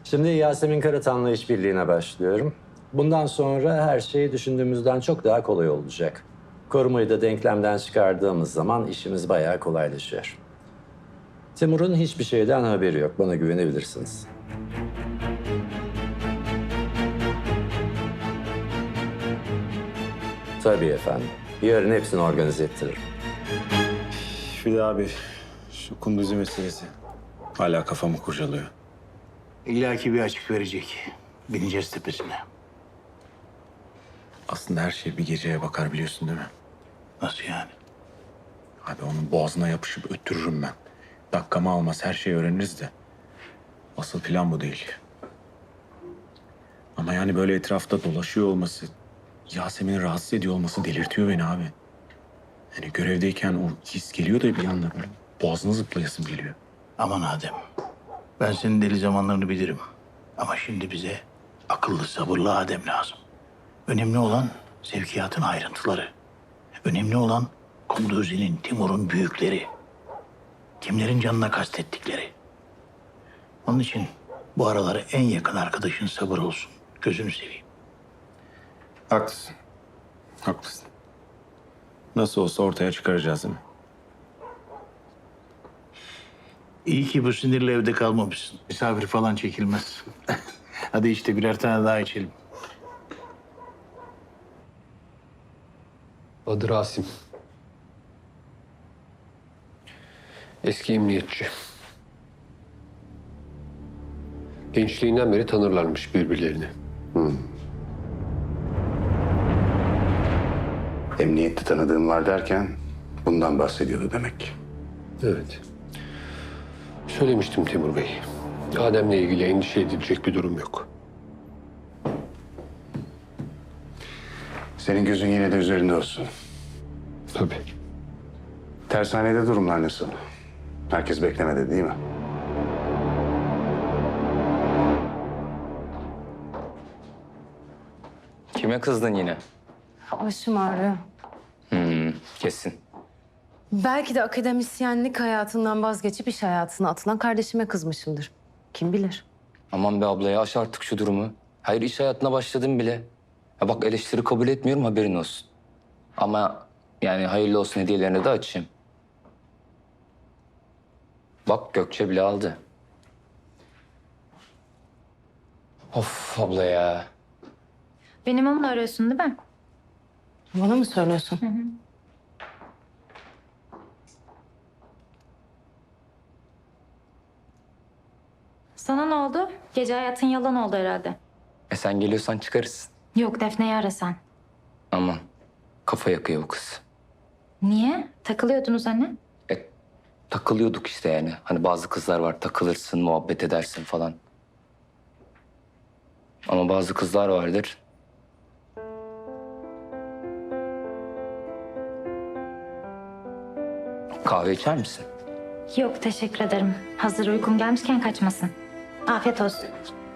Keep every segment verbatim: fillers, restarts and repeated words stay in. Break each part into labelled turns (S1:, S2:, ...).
S1: Şimdi Yasemin Karatan'la işbirliğine başlıyorum. Bundan sonra her şey düşündüğümüzden çok daha kolay olacak. Korumayı da denklemden çıkardığımız zaman işimiz bayağı kolaylaşıyor. Timur'un hiçbir şeyden haberi yok. Bana güvenebilirsiniz. Tabii efendim. Yarın hepsini organize ettiririm.
S2: Bir de abi şu Kunduzi meselesi hala kafamı kurcalıyor.
S3: İlla ki bir açık verecek. Bineceğiz tepesine.
S2: Aslında her şey bir geceye bakar biliyorsun değil mi?
S3: Nasıl yani?
S2: Abi onun boğazına yapışıp öttürürüm ben. Dakikamı almaz her şeyi öğreniriz de. Asıl plan bu değil. Ama yani böyle etrafta dolaşıyor olması, Yasemin'i rahatsız ediyor olması delirtiyor beni abi. Yani görevdeyken o his geliyor da bir anda böyle boğazına zıplayasım geliyor.
S3: Aman Adem. Ben senin deli zamanlarını bilirim. Ama şimdi bize akıllı, sabırlı Adem lazım. Önemli olan sevkiyatın ayrıntıları. Önemli olan Kunduzi'nin, Timur'un büyükleri. Kimlerin canına kastettikleri. Onun için bu araları en yakın arkadaşın sabır olsun. Gözünü seveyim.
S2: Haklısın. Haklısın. Nasıl olsa ortaya çıkaracağız değil mi?
S3: İyi ki bu sinirle evde kalmamışsın. Misafir falan çekilmez. Hadi işte birer tane daha içelim.
S4: Adı Rasim. Eski emniyetçi. Gençliğinden beri tanırlarmış birbirlerini.
S5: Emniyette tanıdığım var derken bundan bahsediyordu demek.
S4: Evet. Söylemiştim Timur Bey. Adem'le ilgili endişe edilecek bir durum yok.
S5: Senin gözün yine de üzerinde olsun.
S4: Tabii.
S5: Tersanede durumlar nasıl? Herkes beklemedi değil mi?
S6: Kime kızdın yine?
S7: Başım ağrıyor.
S6: Hmm, kesin.
S7: Belki de akademisyenlik hayatından vazgeçip iş hayatına atılan kardeşime kızmışımdır. Kim bilir?
S6: Aman be ablaya aş artık şu durumu. Hayır iş hayatına başladım bile. Ya bak eleştiri kabul etmiyorum haberin olsun. Ama yani hayırlı olsun hediyelerini de açayım. Bak Gökçe bile aldı. Of abla ya.
S8: Benim onunla arıyorsun değil mi?
S7: Bana mı söylüyorsun?
S8: Sana ne oldu? Gece hayatın yalan oldu herhalde.
S6: E sen geliyorsan çıkarız.
S8: Yok Defne'yi ara sen.
S6: Aman kafa yakıyor bu kız.
S8: Niye? Takılıyordunuz anne.
S6: E takılıyorduk işte yani. Hani bazı kızlar var takılırsın, muhabbet edersin falan. Ama bazı kızlar vardır. Kahve içer misin?
S8: Yok teşekkür ederim. Hazır uykum gelmişken kaçmasın. Afiyet olsun.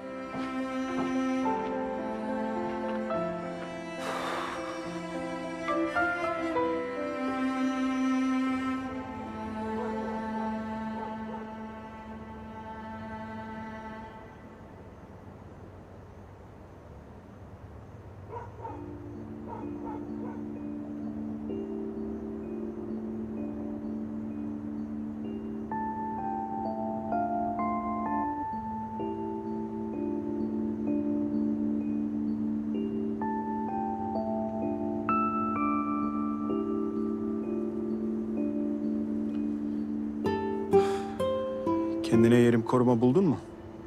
S2: Kendine yerim koruma buldun mu?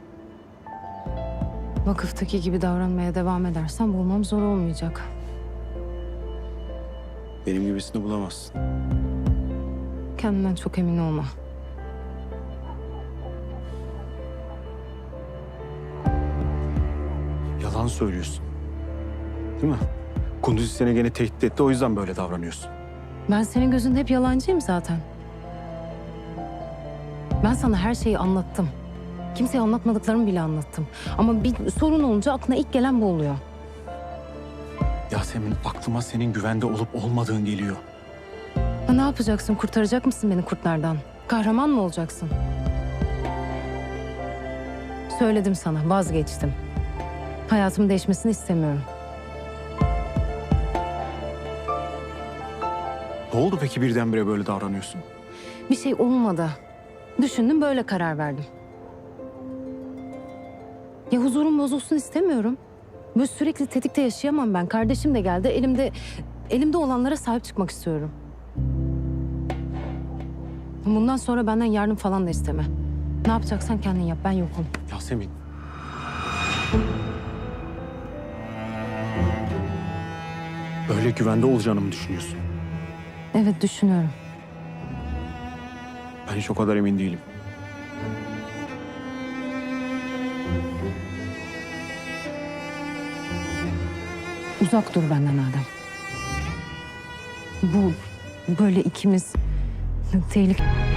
S7: Vakıftaki gibi davranmaya devam edersen bulmam zor olmayacak.
S2: Benim gibisini bulamazsın.
S7: Kendinden çok emin olma.
S2: Yalan söylüyorsun. Değil mi? Kunduzi seni gene tehdit etti o yüzden böyle davranıyorsun.
S7: Ben senin gözünde hep yalancıyım zaten. Ben sana her şeyi anlattım. Kimseye anlatmadıklarımı bile anlattım. Ama bir sorun olunca aklına ilk gelen bu oluyor.
S2: Yasemin aklıma senin güvende olup olmadığın geliyor.
S7: Ha, ne yapacaksın? Kurtaracak mısın beni kurtlardan? Kahraman mı olacaksın? Söyledim sana, vazgeçtim. Hayatımın değişmesini istemiyorum.
S2: Ne oldu peki birdenbire böyle davranıyorsun?
S7: Bir şey olmadı. Düşündüm, böyle karar verdim. Ya huzurum bozulsun istemiyorum. Böyle sürekli tetikte yaşayamam ben. Kardeşim de geldi. Elimde elimde olanlara sahip çıkmak istiyorum. Bundan sonra benden yardım falan da isteme. Ne yapacaksan kendin yap. Ben yokum.
S2: Yasemin. Böyle güvende olacağını mı düşünüyorsun?
S7: Evet, düşünüyorum.
S2: Ben hiç o kadar emin değilim.
S7: Uzak dur benden Adem. Bu böyle ikimiz tehlike...